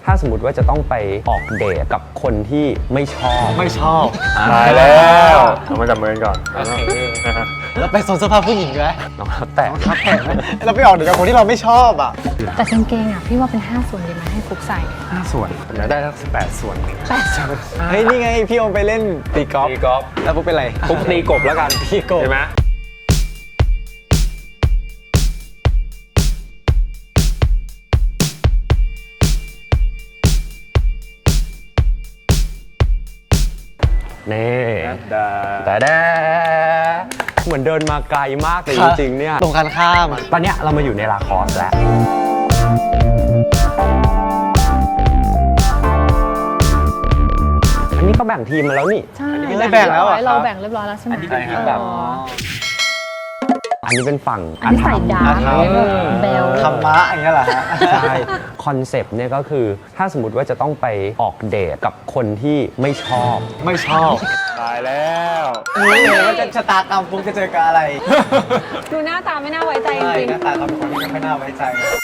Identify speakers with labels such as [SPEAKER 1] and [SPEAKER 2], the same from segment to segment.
[SPEAKER 1] ถ้าสมมติว่าจะต้องไปออกเดทกับคนที่ไม่ชอบ
[SPEAKER 2] ตายแล้วเรามาจับมือกันก่อนโอเค
[SPEAKER 3] เราไปโซนเสื้อผ้าผู้หญิงไหม
[SPEAKER 1] น้องแตะ
[SPEAKER 3] ครับแผลไหมเราไปออกเดทกับคนที่เราไม่ชอบอ่ะ
[SPEAKER 4] แต่กางเกงอ่ะพี่ว่าเป็น5ส่วนดีไหมให้ฟุกใส่
[SPEAKER 2] 5 ส่วนผมจะได้ทั้ง18 ส่วน
[SPEAKER 4] 8 ส่วน
[SPEAKER 3] เฮ้ยนี่ไงพี่โอมไปเล่นตีกอล์ฟแล้วปุ๊บเป็นไร
[SPEAKER 1] ปุ๊บตีกบแล้วกัน
[SPEAKER 3] ตีกบ
[SPEAKER 2] ใช่ไหม
[SPEAKER 1] นี่
[SPEAKER 2] ดา
[SPEAKER 1] แต่เหมือนเดินมาไกลมากแต่จริงๆเนี่ย
[SPEAKER 3] ตรงกันข้าม
[SPEAKER 1] ตอนเนี้ยเรามาอยู่ในลาคอสแล้วอันนี้ก็แบ่งทีมมาแล้วนี่
[SPEAKER 4] ใช่
[SPEAKER 3] ได้แบ่งแล้วอ่ะ
[SPEAKER 4] เราแบ่งเรียบร้อยแล้วใช่ไหม
[SPEAKER 2] ใช่ครับ
[SPEAKER 1] อันนี้เป็นฝั่ง
[SPEAKER 4] อันนี้ใส่ดาร์กเบล
[SPEAKER 3] ธรรมะอย่างเงี้ยเหรอฮะ
[SPEAKER 1] ใช่คอนเซปต์เนี่ยก็คือถ้าสมมติว่าจะต้องไปออกเดทกับคนที่ไม่ชอบ
[SPEAKER 3] ไม่ชอบ
[SPEAKER 2] ตายแล้ว
[SPEAKER 3] รู้เลยว่าจะชะตากรรมฟุกจะเจอกับอะไร
[SPEAKER 4] ดูหน้าตาไม่น่าไว้ใจจ
[SPEAKER 3] ใช่
[SPEAKER 4] ริง
[SPEAKER 3] หน้าตาเขาเป็นคนที่ไม่ค่อยน่าไว้ใจ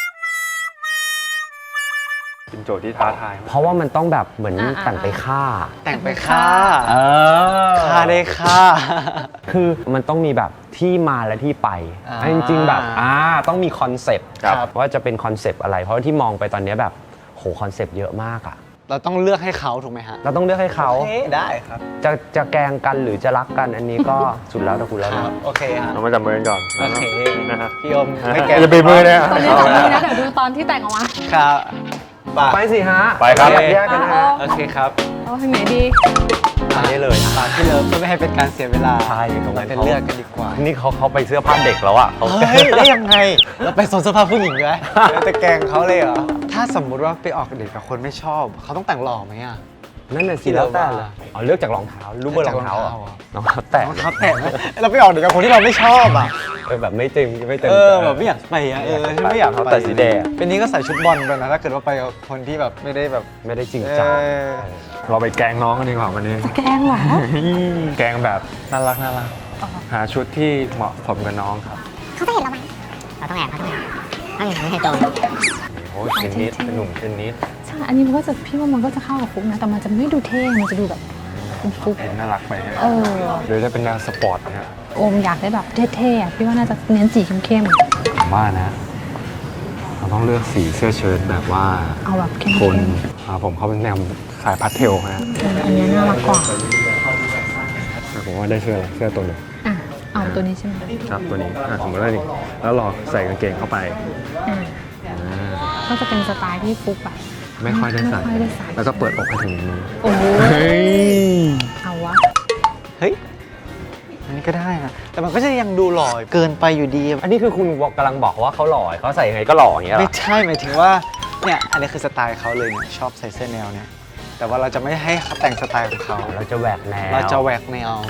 [SPEAKER 2] เป็นโจทย์ที่ท้าทายมาก
[SPEAKER 1] เพราะว่ามันต้องแบบเหมือนแต่งไปฆ่า
[SPEAKER 3] แต่งไปฆ่า
[SPEAKER 1] อ
[SPEAKER 3] ฆ่าได้ฆ่า
[SPEAKER 1] คือมันต้องมีแบบที่มาและที่ไป
[SPEAKER 3] อ่า
[SPEAKER 1] จริงๆแบบต้องมีคอนเซปต์
[SPEAKER 3] ครับ
[SPEAKER 1] ว่าจะเป็นคอนเซปต์อะไร เพราะว่าที่มองไปตอนนี้แบบโหคอนเซปต์เยอะมากอะ
[SPEAKER 3] เราต้องเลือกให้เขาถูกไหมฮะ
[SPEAKER 1] เราต้องเลือกให้เขา
[SPEAKER 3] โอเคได้ครับ
[SPEAKER 1] จะแกล้งกันหรือจะรักกันอันนี้ก็ สุดแล้วแต่คุณแล้ว
[SPEAKER 3] ครั
[SPEAKER 1] นะ
[SPEAKER 3] บโอเคฮะ
[SPEAKER 2] เรามาจับมือกันก่อน
[SPEAKER 3] โอเค
[SPEAKER 2] นะฮะ
[SPEAKER 3] พี่โอม
[SPEAKER 2] ไม่
[SPEAKER 3] ไม่
[SPEAKER 2] แก
[SPEAKER 3] แก
[SPEAKER 2] จะปีมือเนี่ย
[SPEAKER 4] ๆตอนนี้ตอนนี้นะเดี๋ยวดูตอนที่แต่งออกมา
[SPEAKER 3] ครับป่ะ
[SPEAKER 1] ไปสิฮะ
[SPEAKER 2] ไปครับ
[SPEAKER 1] แยกกันนะฮะ
[SPEAKER 3] โอเคครับ
[SPEAKER 4] เอาทางไหนดี
[SPEAKER 1] อันนี้เลยอะ
[SPEAKER 3] ป่าที่เลิฟเพื่อไม่ให้เป็นการเสียเวลา
[SPEAKER 1] ใช่ตรงนั้น
[SPEAKER 3] เราไปเลือกกันดีกว่า
[SPEAKER 1] นี่เขาไปเสื้อผ้าเด็กแล้วอะเขา
[SPEAKER 3] เฮ้ยได้ยังไง เราไปโซนเสื้อผ้าผู้หญิงไหมเราจะแกล้งเขาเลยเหรอ ถ้าสมมุติว่าไปออกเดทกับคนไม่ชอบ เขาต้องแต่งหล่อไหมอ่ะ
[SPEAKER 1] นั่นน่ะสิแล้วแต่เลยเอาเลือกจากรองเท้ารู้เบอร์รองเท้าเหรอรองเท้าแตะ
[SPEAKER 3] รองเท้าแตะไหมเราไปออกเดทกับคนที่เราไม่ชอบอ่ะ
[SPEAKER 1] แบบไม่เต็มไม่เต็ม
[SPEAKER 3] แบบไม่อยากไปอ่ะฉันไม่อยาก
[SPEAKER 1] เขา
[SPEAKER 3] ไป
[SPEAKER 1] แต่สีแดง
[SPEAKER 3] เป็นนี้ก็ใส่ชุดบอลไปนะ ถ้าเกิดว่าไปกับคนที่แบบไม่ได้แบบ
[SPEAKER 1] ไม่ได้จริงจัง
[SPEAKER 2] เราไปแกล้งน้องกันดีกว่าวันนี้
[SPEAKER 4] แกล้งเหรอ
[SPEAKER 2] แกล้งแบบน่ารัก
[SPEAKER 4] อ๋อ
[SPEAKER 2] หาชุดที่เหมาะสมกับน้องครับ
[SPEAKER 5] เขาจะเห็นเราไหมเราต้องแอบต้องอย่างนี้ให้โจร
[SPEAKER 2] โอ้ยเทนนิสเป็นหนุ่มเทนนิส
[SPEAKER 4] ใช่อันนี้มันก็จะพี่ว่ามันก็จะเข้ากับฟุกนะแต่มันจะไม่ดูเท่มันจะดูแบบเป็นฟุก
[SPEAKER 2] เห็นน่ารักไปฮะ
[SPEAKER 4] เออ
[SPEAKER 2] หรือจะเป็นแนวสปอร์ตนะฮะ
[SPEAKER 4] โอมอยากได้แบบเท่ๆอะพี่ว่าน่าจะเน้นสีเข้ม
[SPEAKER 2] ผมว่านะ เราต้องเลือกสีเสื้อเชิ้ตแบบว่า
[SPEAKER 4] ๆเอาแบบเข้ม
[SPEAKER 2] โทนผมเขาเป็นแนวสายพาสเทลฮะ
[SPEAKER 4] อันนี้น่ารักกว่า
[SPEAKER 2] ผมว่าได้เสื้อตัวหนึง
[SPEAKER 4] อ่ะเอาตัวนี้ใช่ไหม
[SPEAKER 2] ครับตัวนี้สมมติว่านี่แล้วเราใส่กางเกงเข้าไป
[SPEAKER 4] อ่ะ
[SPEAKER 2] อ่า
[SPEAKER 4] ก็จะเป็นสไตล์ที่ฟุกแบบ
[SPEAKER 2] ไม่ค่อยได้ใส่
[SPEAKER 4] ไม่ค่อยได้ใส่
[SPEAKER 2] แล้วก็เปิดอกให้ถึงนี้
[SPEAKER 4] โอ้โห
[SPEAKER 2] เฮ้ย
[SPEAKER 4] เอาวะ
[SPEAKER 3] เฮ้ย อันนี้ก็ได้นะ แต่มันก็จะยังดูหล่อเกินไปอยู่ดี
[SPEAKER 1] อันนี้คือคุณกำลังบอกว่าเขาหล่อเขาใส่ยังไงก็หล่ออย่างเงี้ยเหร
[SPEAKER 3] ไม่
[SPEAKER 1] อ
[SPEAKER 3] ใช่หมายถึงว่า เนี่ย อันนี้คือสไตล์เขาเลยเนี่ย ชอบใส่เสื้อแนวเนี่ย แต่ว่าเราจะไม่ให้เขาแต่งสไตล์ของเขา
[SPEAKER 1] เราจะแหวกแนว
[SPEAKER 3] เราจะแหวกแนว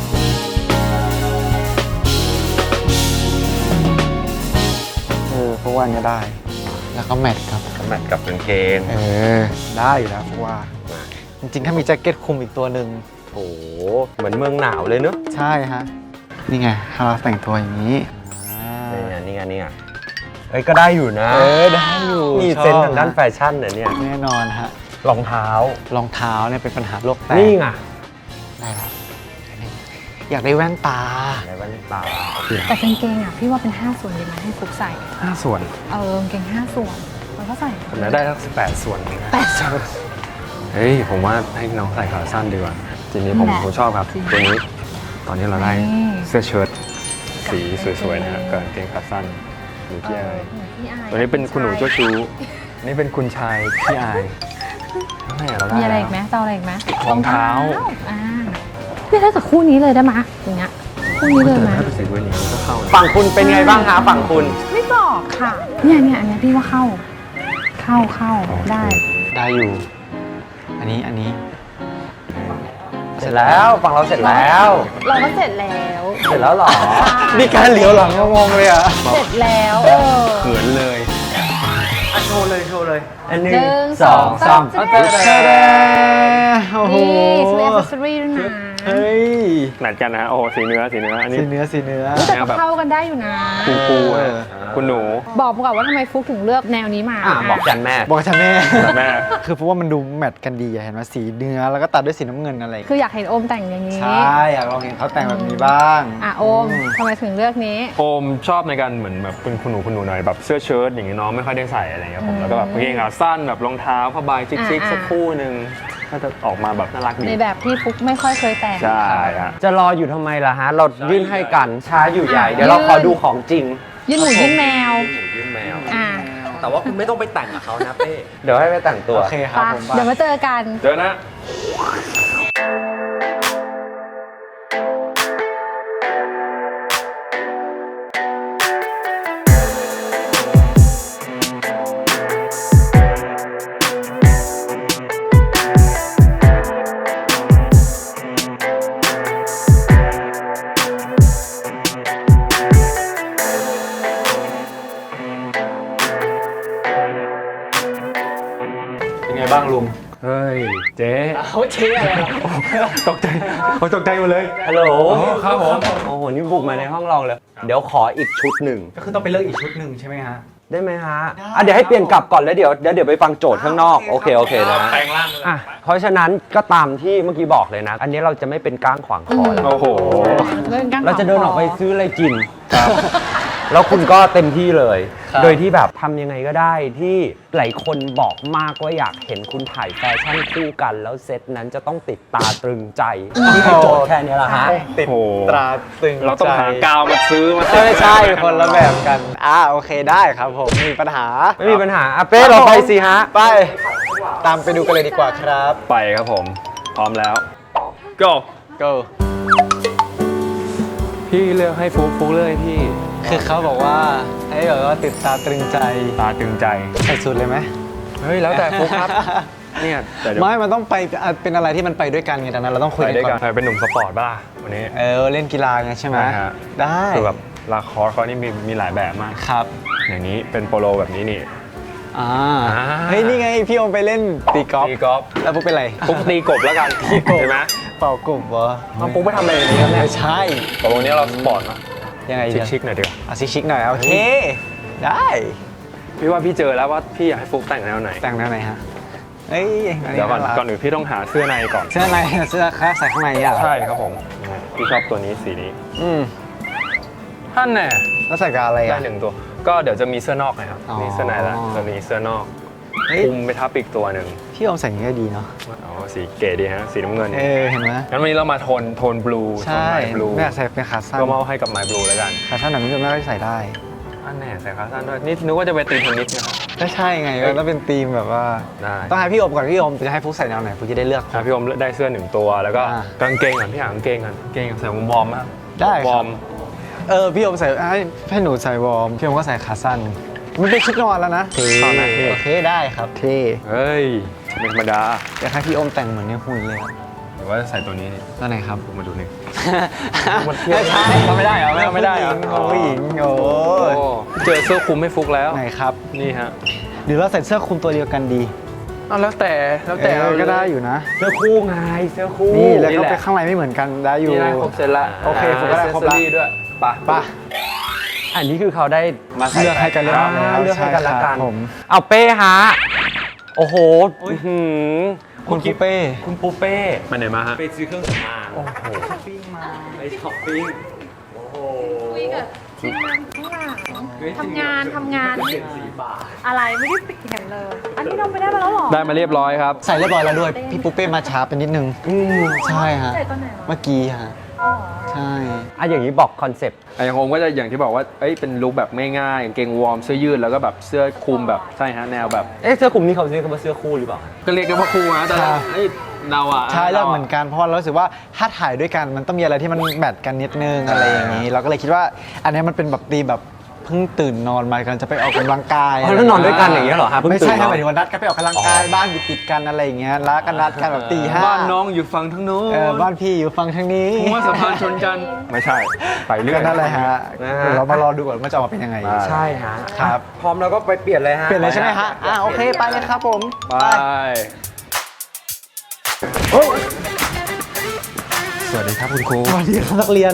[SPEAKER 3] เพราะว่านี้ได้ แล้วก็แมทครับ
[SPEAKER 1] แมทกับกางเกง
[SPEAKER 3] ได้อยู่แล้วเพราะว่า จริงๆ ถ้ามีแจ็คเก็ตคลุมอีกตัวหนึ่ง
[SPEAKER 1] โอ้เหมือนเมืองหนาวเลยเนอะ
[SPEAKER 3] ใช่ฮะ นี่ไงถ้าเราแต่งตัวอย่างนี้
[SPEAKER 1] นี่ไงเอ้ยก็ได้อยู่นะ
[SPEAKER 3] ได้อยู่
[SPEAKER 1] มี
[SPEAKER 3] ชอบ
[SPEAKER 1] เซนส์ทางด้านแฟชั่นเนี่ย
[SPEAKER 3] แน่นอนฮะ
[SPEAKER 1] รองเท้าร
[SPEAKER 3] องเท้าเนี่ยเป็นปัญหาโลกแตก
[SPEAKER 1] นี่ไง
[SPEAKER 3] ได้ครับอยากได้แว่นตา
[SPEAKER 1] อะไรบ้างตา
[SPEAKER 4] แต่กางเกงอ่ะพี่ว่าเป็น5ส่วนดีไหมให้ฟุกใส่
[SPEAKER 2] 5 ส่วน
[SPEAKER 4] กางเกง5ส่วนแล้วก็ใส่
[SPEAKER 2] ผมจะได้ทั้ง18 ส่วนนะ
[SPEAKER 4] 8ส่วน
[SPEAKER 2] เฮ้ย ผมว่าให้น้องใส่ขาสั้นดีกว่า ทีนี้ผม
[SPEAKER 4] แหละ
[SPEAKER 2] ชอบครับ
[SPEAKER 4] จริง
[SPEAKER 2] ตัวนี้ ตอนนี้เราได้
[SPEAKER 4] นี่
[SPEAKER 2] เสื้อเชิ้ตสีสวยๆนะฮะกับกางเกงขาสั้นหนูพี่อาย
[SPEAKER 4] พี่อาย
[SPEAKER 2] ตัวนี้เป็นคุณหนูเจ้าชู้นี่เป็นคุณชายพี่อายแม่เราได้
[SPEAKER 4] มีอะไร
[SPEAKER 2] แล้ว
[SPEAKER 4] อีกไหมจะเอาอะไรอีกไหม
[SPEAKER 2] รองเท้า
[SPEAKER 4] อ่าเนี่ยถ้ากับคู่นี้เลยได้ไหมอย่างเงี้ยคู่นี้เลยไหม
[SPEAKER 2] ถ้าเป็นสีเวนี้ก็เข้านะ
[SPEAKER 1] ฝั่งคุณเป็นไงบ้างคะฝั่งคุณ
[SPEAKER 4] ไม่บอกค่ะเนี่ยอันเนี้ยพี่ว่าเข้าได้
[SPEAKER 3] ได้อยู่ อันนี้
[SPEAKER 1] เสร็จแล้วฝั่งเราเสร็จแล้ว
[SPEAKER 4] เราก็เสร็จแล้ว
[SPEAKER 1] เสร็จแล้วเหรอ
[SPEAKER 3] มีการเหลียวหลังงงๆเลยอ่ะ
[SPEAKER 4] เสร็จแล้ว
[SPEAKER 2] เขินเลย
[SPEAKER 1] โชว์เลย อันหนึ่
[SPEAKER 4] หนึ่ง
[SPEAKER 1] สองสาม
[SPEAKER 4] จะได้
[SPEAKER 3] โอ้โห
[SPEAKER 4] นี่ซื้อแอคเซสซอรี่ด้วยนะ
[SPEAKER 3] เฮ้ย
[SPEAKER 2] แมทกันนะฮะโอ้โหสีเนื้ออันนี้
[SPEAKER 3] สีเนื้อ
[SPEAKER 4] แต่ก็เข้ากันได้อยู่นะ
[SPEAKER 2] คูลๆอะคุณหนู
[SPEAKER 4] บอกก่อนว่าทำไมฟุกถึงเลือกแนวนี้มา
[SPEAKER 1] บอกจันแม่
[SPEAKER 3] บอกฉันแม่
[SPEAKER 2] แม่
[SPEAKER 3] คือเพราะว่ามันดูแมทกันดีอะเห็นไหมสีเนื้อแล้วก็ตัดด้วยสีน้ำเงินอะไร
[SPEAKER 4] คืออยากเห็นโอมแต่งอย่างนี้
[SPEAKER 3] ใช่อยากลองเห็นเขาแต่งแบบนี้บ้าง
[SPEAKER 4] โอมทำไมถึงเลือกนี้
[SPEAKER 2] โอมชอบในการเหมือนแบบเป็นคุณหนูหน่อยแบบเสื้อเชิ้ตอย่างงี้น้องไม่ค่อยได้ใส่อะไรเงี้ยผมแล้วก็แบบกางเกงขาสั้นแบบรองเท้าผ้าใบชิคๆสักคู่หนึ่งก็จะออกมาแบบน่ารักดี
[SPEAKER 4] ในแบบที่ฟุกไม่ค่อยเคยแต่ง
[SPEAKER 2] ใช่ฮะ
[SPEAKER 1] จะรออยู่ทำไมล่ะฮะ เรายื่นให้กันช้าอยู่ใหญ่ เดี๋ยวเราขอดูของจริง
[SPEAKER 4] ยื่นหมูยื่นแมว
[SPEAKER 1] ยื่นแมว
[SPEAKER 4] อ่ะ
[SPEAKER 1] แต่ว่าคุณไม่ต้องไปแต่งกับเขานะเป้เดี๋ยวให้ไปแต่งตัว
[SPEAKER 3] โอเคครับ
[SPEAKER 4] ไป
[SPEAKER 3] ผม
[SPEAKER 4] เดี๋ยวมาเจอกัน
[SPEAKER 2] เจอนะ
[SPEAKER 3] เป็นไงบ้างลุง
[SPEAKER 2] เฮ้ยเจ๊
[SPEAKER 3] เขาเชียร์อะไร
[SPEAKER 2] ตกใจตกใจหมดเลย
[SPEAKER 1] ฮัลโหล
[SPEAKER 2] ครับผม
[SPEAKER 1] โอ้โห นี่บุกมาในห้องเราเลย เดี๋ยวขออีกชุดหนึ่ง
[SPEAKER 3] ก็คือต้องไปเลือกอีกชุดหนึ่งใช่ไหมฮะ
[SPEAKER 1] ได้ไหมฮะเดี๋ยวให้เปลี่ยนกลับก่อนแล้วเดี๋ยวไปฟังโจทย์ข้างนอก โอเคนะ
[SPEAKER 2] แปลงร่างเลย
[SPEAKER 1] อ่ะเพราะฉะนั้นก็ตามที่เมื่อกี้บอกเลยนะ อันนี้เราจะไม่เป็นก้างขวางคอแล้ว
[SPEAKER 2] โอ้โห
[SPEAKER 1] เราจะเดินออกไปซื้ออะไรกิน แล้วคุณก็เต็มที่เลย
[SPEAKER 3] ครับ
[SPEAKER 1] โดยที่แบบทำยังไงก็ได้ที่หลายคนบอกมากว่าอยากเห็นคุณถ่ายแฟชั่นคู่กัน แล้วเซตนั้นจะต้องติดตาตรึงใจนี่คือโจทย์แค่นี้แหละฮะ
[SPEAKER 3] ติด
[SPEAKER 2] โอ้โห
[SPEAKER 3] ตราตึง
[SPEAKER 2] เราต้องหากาวมาซื้อมา
[SPEAKER 3] ไม่ใช่คนละแบบกันโอเคได้ครับผมไม่มีปัญหา
[SPEAKER 1] ไม่มีปัญหาอ่ะเป้เราไปสิฮะ
[SPEAKER 3] ไป ตามไปดูกันเลยดีกว่าครับ
[SPEAKER 2] ไปครับผม พร้อมแล้ว go
[SPEAKER 3] go
[SPEAKER 2] พี่เลือกให้ฟุกเลือกให้พี่
[SPEAKER 3] คือเขาบอกว่าให้แบบว่าติดตาตรึงใจ
[SPEAKER 2] ตาตึงใจ
[SPEAKER 3] ใส่สุดเลยไหม
[SPEAKER 2] เฮ้ยแล้วแต่ฟุกครับ เนี่ยแต่เดี๋ยว
[SPEAKER 3] ไม่มันต้องไปเป็นอะไรที่มันไปด้วยกันไงดังนั้นเราต้องคุย
[SPEAKER 2] ไป
[SPEAKER 3] กัน
[SPEAKER 2] ด้วย
[SPEAKER 3] ก่
[SPEAKER 2] กั
[SPEAKER 3] อน น
[SPEAKER 2] ไปเป็นหนุ่มสปอร์ตป่ะวันนี้
[SPEAKER 3] เล่นกีฬาไงใช่ไหม
[SPEAKER 2] ใช่ฮะ
[SPEAKER 3] ได้
[SPEAKER 2] คือแบบลาคอร์สเขานี่มีหลายแบบมาก
[SPEAKER 3] ครับ
[SPEAKER 2] อย่างนี้เป็นโปโลแบบนี้นี่
[SPEAKER 3] เฮ้ยนี่ไงพี่โอมไปเล่นตีกอล์ฟ
[SPEAKER 2] ตีกอล์ฟ
[SPEAKER 3] แล้วปุ๊บเป็นไร
[SPEAKER 2] ฟุกตีกบแล้วกัน
[SPEAKER 3] ตีกบ
[SPEAKER 2] เห็นไหม
[SPEAKER 3] เป่ากบเหรอ
[SPEAKER 2] น้องฟุกไปทำอะไรอย่างนี้ครับเนี่ย
[SPEAKER 3] ไม่ใช่
[SPEAKER 2] ตกลงนี้เราสปอร์ตมา
[SPEAKER 3] ยังไง
[SPEAKER 2] ชิคๆหน่อยดีกว่า
[SPEAKER 3] เอาชิคๆหน่อยโอเค ได้
[SPEAKER 2] พี่ว่าพี่เจอแล้วว่าพี่อยากให้ฟุกแต่งแนวไหน
[SPEAKER 3] แต่งแนวไหนฮะเอ้ยอันนี้
[SPEAKER 2] เดี๋ยวก่อน
[SPEAKER 3] ารั
[SPEAKER 2] ก่อนอื่นพี่ต้องหาเสื้อในก่อน
[SPEAKER 3] เสื้อในเสื้อคลาสใส่ข้างในอ่ะ
[SPEAKER 2] ใช่ครับผมพี่ชอบตัวนี้สีนี้
[SPEAKER 3] อืม
[SPEAKER 2] ท่านแน่
[SPEAKER 3] แล้วใส่กับอะไร
[SPEAKER 2] ได้
[SPEAKER 3] อ่ะ
[SPEAKER 2] หนึ่งตัว ก็เดี๋ยวจะมีเสื้อนอกนะครับ
[SPEAKER 3] อ๋อ
[SPEAKER 2] มีเสื้อในแล้วจะมีเสื้อนอก
[SPEAKER 3] เฮ้ย
[SPEAKER 2] คลุมไปทับอีกตัวหนึ่ง
[SPEAKER 3] พี่โอมใส่อย่างนี้ก็ดีเนาะ
[SPEAKER 2] อ๋อสีเก๋ดีฮะสีน้ำเงิน
[SPEAKER 3] เห็นไหม
[SPEAKER 2] งั้นวันนี้เรามาโทนบลู
[SPEAKER 3] ใช่
[SPEAKER 2] บลู
[SPEAKER 3] ไม่อยากใส่เป็นขาสั้น
[SPEAKER 2] ก็มอบให้กับไมบลูแล้วกัน
[SPEAKER 3] ขาสั้นแบบนี้ก็ไม่ได้ใส่ได้
[SPEAKER 2] อันแน่ใส่ขาสั้นด้วยนี่นึกว่าจะไปตีเทนนิสนะครับ
[SPEAKER 3] ก็ใช่ไงมันต้องเป็นธีมแบบว่า
[SPEAKER 2] ได้
[SPEAKER 3] ต้องให้พี่โอมก่อนพี่โอมจะให้ฟุกใส่แนวไหนฟุกจะได้เลือก
[SPEAKER 2] พี่อมได้เสื้อหนึ่งตัวแล้วก็
[SPEAKER 3] อ่า
[SPEAKER 2] กางเกงก่อนพี่หากางเกงก่อนกางเกงใส่วอร์มๆมาก
[SPEAKER 3] ได้ครับ
[SPEAKER 2] วอร์ม
[SPEAKER 3] พี่โอมใส่ให้หนูใส่วอร์มพี่โอมก็ใส่ขาสั้นมันเป็นชุดนอนแล้วนะ
[SPEAKER 2] ตอนนั้นพี่
[SPEAKER 3] โอเคได้ครับเท่
[SPEAKER 2] เฮ้ยไม่ธรรมดา
[SPEAKER 3] อยากให้พี่โอมแต่งเหมือนในหุ่นเลยครับ
[SPEAKER 2] หรือว่าจะใส่ตัวนี้นี่
[SPEAKER 3] ตัวไหนครับ
[SPEAKER 2] ผมมาดูนี่
[SPEAKER 3] ไม่ใช่
[SPEAKER 2] มันไม่ได้เหรอไม่ได้เหรอ
[SPEAKER 3] ผู้หญิงโอ้
[SPEAKER 2] โอ้เจอเสื้อคลุมไม่ฟุกแล้ว
[SPEAKER 3] ไหนครับ
[SPEAKER 2] นี่ฮะ
[SPEAKER 3] หรือเราใส่เสื้อคลุมตัวเดียวกันดี
[SPEAKER 2] แล้วแต่เรา
[SPEAKER 3] ก็ได้อยู่นะ
[SPEAKER 1] เสื้อคู่ไงเสื้อคู่
[SPEAKER 3] นี่แล้วก็
[SPEAKER 2] แหละ
[SPEAKER 3] ไปข้างในไม่เหมือนกันได้อยู่
[SPEAKER 2] นี่ได้ครบเสร็จละ
[SPEAKER 3] โอเคผมก็ได้ครบละ
[SPEAKER 2] เซสซอด้วยไป
[SPEAKER 3] ป่ะ
[SPEAKER 1] อันนี้คือเขาได้มาใส่
[SPEAKER 3] เลือกให้กันเรียบร้อยแล้ว
[SPEAKER 1] เลือกให้กันละ
[SPEAKER 3] ใช่ครั
[SPEAKER 1] กับ น
[SPEAKER 3] ผม
[SPEAKER 1] เอาเป้ฮะ โอ้โหอื้อหือ
[SPEAKER 3] คุณปูเป้
[SPEAKER 1] คุณปูเป้
[SPEAKER 2] มาไหนมาฮะ
[SPEAKER 1] ไปซื้อเครื่องสำอางโอ้โหไปช้อปปิ้งโอ้โห
[SPEAKER 4] คุยกับทีมงานข้างหลังทำงานอะไรไม่ได้เปลี่ยนเลย อันนี้เราไปได้มาแล้วหรอ
[SPEAKER 2] ได้มาเรียบร้อยครับ
[SPEAKER 3] ใส่เรียบร้อยแล้วด้วย พี่ปูเป้มาช้าไปนิดนึงใช่ฮะ
[SPEAKER 4] ใส่ตอนไหนวะ
[SPEAKER 3] เมื่อกี้ฮะ
[SPEAKER 4] อ๋อ
[SPEAKER 3] ใช่
[SPEAKER 1] อ่ะอย่างนี้บอกคอนเซปต์
[SPEAKER 2] อย่างผมก็จะอย่างที่บอกว่าเอ้ยเป็นลุคแบบง่ายๆกางเกงวอร์มเสื้อยืดแล้วก็แบบเสื้อคลุมแบบใช่ฮะแนวแบบ
[SPEAKER 1] เสื้อคลุมนี่เขาเรียกว่าเสื้อคู่หรือเปล่า
[SPEAKER 2] ก็เรียกกันว่าครูนะแต่ไอ้เราอ่ะ
[SPEAKER 3] ใช่เลือกเหมือนกันเพราะเรารู้สึกว่าถ้าถ่ายด้วยกันมันต้องมีอะไรที่มันแมทกันนิดนึงอะไรอย่างนี้ เราก็เลยคิดว่าอันนี้มันเป็นแบบตีแบบเพิ่งตื่นนอนมากำลังจะไปออกกำลังกาย
[SPEAKER 1] อ๋อแล้วนอนด้วยกันอย่างเงี้ยเหรอฮะเพิ่ง
[SPEAKER 3] ไม่
[SPEAKER 1] ตื่
[SPEAKER 3] ใช่
[SPEAKER 1] น
[SPEAKER 3] ครับ
[SPEAKER 1] นอน
[SPEAKER 3] หมายถึงว่านัดกันไปออกกำลังกายบ้านอยู่ติดกันอะไรอย่างเงี้ยแล้วกันนัดกันแบบตีห้า
[SPEAKER 2] บ้านน้องอยู่ฝั่งทั้งนู้น
[SPEAKER 3] บ้านพี่อยู่ฝั่งทางนี้
[SPEAKER 2] หัวสะพานชนกันไม่ใช่ไปเรื่อ
[SPEAKER 3] ก็
[SPEAKER 2] ย
[SPEAKER 3] นั่นแหละฮะ
[SPEAKER 1] นะฮะ
[SPEAKER 3] เดี๋ยวเรามารอดูก่อนว่าจะออกมาเป็นยังไง
[SPEAKER 1] ใช่ฮะ
[SPEAKER 3] ครับ
[SPEAKER 1] พร้อมแล้วก็ไปเปลี่ยนเลยฮะ
[SPEAKER 3] เปลี่ยนเลยใช่ไหมฮะโอเคไปเลยครับผม
[SPEAKER 2] ไป
[SPEAKER 3] เฮ้ย
[SPEAKER 2] สวัสดีครับคุณครู
[SPEAKER 3] สวัสดีครับนักเรียน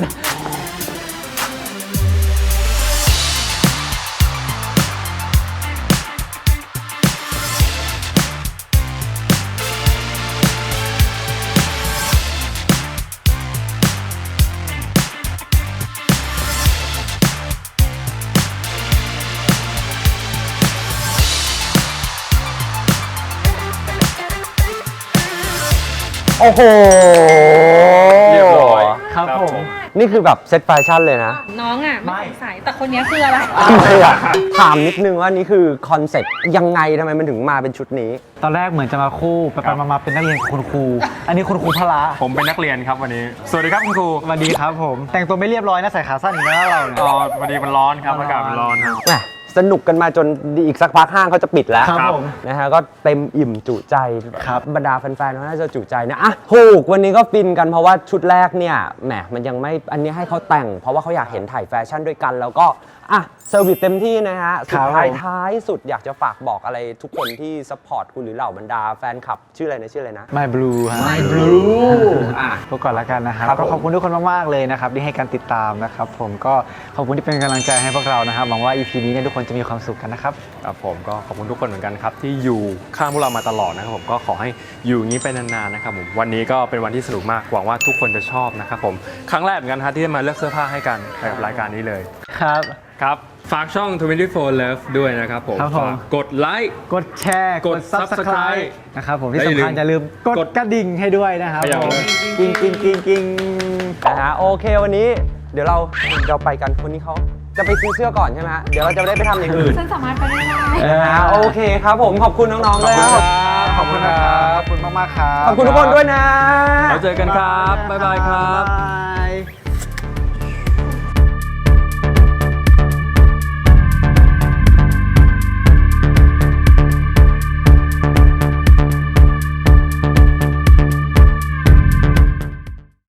[SPEAKER 1] โอ้โห
[SPEAKER 2] เรียบร้อย
[SPEAKER 3] ครับผม
[SPEAKER 1] นี่คือแบบเซตแฟชั่นเลยนะ
[SPEAKER 4] น้องอ่ะไม่สงสัยแต่คนนี้คืออะไร
[SPEAKER 1] ไม่อยากถามนิดนึงว่านี่คือคอนเซ็ปต์ยังไงทำไมมันถึงมาเป็นชุดนี้
[SPEAKER 3] ตอนแรกเหมือนจะมาคู่ไปๆมาๆเป็นนักเรียนกับคุณครู อันนี้คุณครูพละ
[SPEAKER 2] ผมเป็นนักเรียนครับวันนี้ สวัสดีครับคุณครู
[SPEAKER 3] สวัสดีครับผม แต่งตัวไม่เรียบร้อยนะใส่ขาสั้นอีกแล้วเราเนี่ย
[SPEAKER 2] อ๋อวันนี้มันร้อนครับอากาศมันร้อนครับ
[SPEAKER 1] แหมสนุกกันมาจนอีกสักพักห้างเขาจะปิดแล้ว
[SPEAKER 3] ครับผม
[SPEAKER 1] นะฮะก็เต็มอิ่มจุใจ
[SPEAKER 3] ครับ
[SPEAKER 1] บรรดาแฟนๆเขาน่าจะจุใจนะอ่ะถูกวันนี้ก็ฟินกันเพราะว่าชุดแรกเนี่ยแหมมันยังไม่อันนี้ให้เขาแต่ง เพราะว่าเขาอยากเห็นถ่ายแฟชั่นด้วยกัน แล้วก็อ่ะเซอร์วิสเต็มที่นะฮะสุดท้ายสุดอยากจะฝากบอกอะไรทุกคนที่ซัพพอร์ตคุณหรือเหล่าบรรดาแฟนคลับชื่ออะไรนะ
[SPEAKER 3] My Blue ฮะ
[SPEAKER 1] My Blue อ่ะ
[SPEAKER 3] พวกก่อนละกันนะครับ
[SPEAKER 1] ครับผม
[SPEAKER 3] ก็ขอบคุณทุกคนมากๆเลยนะครับที่ให้การติดตามนะครับผมก็ขอบคุณที่เป็นกำลังใจให้พวกเรานะครับหวังว่า EP นี้เนี่ยทุกคนจะมีความสุขกันนะครับ
[SPEAKER 2] ครับผมก็ขอบคุณทุกคนเหมือนกันครับที่อยู่ข้างพวกเรามาตลอดนะครับผมก็ขอให้อยู่อย่างนี้ไปนานๆนะครับผมวันนี้ก็เป็นวันที่สนุกมากหวังว่าทุกคนจะชอบนะครับผมครั้งแรกเหมือนกันฮะที่ได้มาเลือกเสื้อผ้าให้กันในรายการนี้เลย
[SPEAKER 3] ครับ
[SPEAKER 2] ครับฝากช่อง 24 Love ด้วยนะครับผม
[SPEAKER 3] ครับผม
[SPEAKER 2] ฝากกดไลค์
[SPEAKER 3] กดแชร์
[SPEAKER 2] กด Subscribe
[SPEAKER 3] นะครับผมที่
[SPEAKER 2] และอย่าลื
[SPEAKER 3] สำคัญ
[SPEAKER 2] ม
[SPEAKER 3] อย่าลืมก
[SPEAKER 2] ก
[SPEAKER 3] ด
[SPEAKER 2] ด
[SPEAKER 3] กระดิ่งให้ด้วยนะครับ
[SPEAKER 2] ขยับ
[SPEAKER 3] ผม
[SPEAKER 2] เลย
[SPEAKER 3] กิ้งกิ้งกิ้งกิ้ง
[SPEAKER 1] นะฮะโอเควันนี้เดี๋ยวเราไปกันคนนี้เขาจะไปซื้อเสื้อก่อนใช่ไหมฮะเดี๋ยวเราจะได้ไปทำอย่างอื่น
[SPEAKER 4] ฉันสามารถไปได้ไหม
[SPEAKER 1] นะฮะโอเคครับผมขอบคุณน้องๆด้วยครับ
[SPEAKER 3] ขอบคุณนะครับขอบคุณมากๆครับ
[SPEAKER 1] ขอบคุณทุกคนด้วยนะ
[SPEAKER 2] เราเจอกันครับบ๊ายบายครับ
[SPEAKER 3] บ๊ายบาย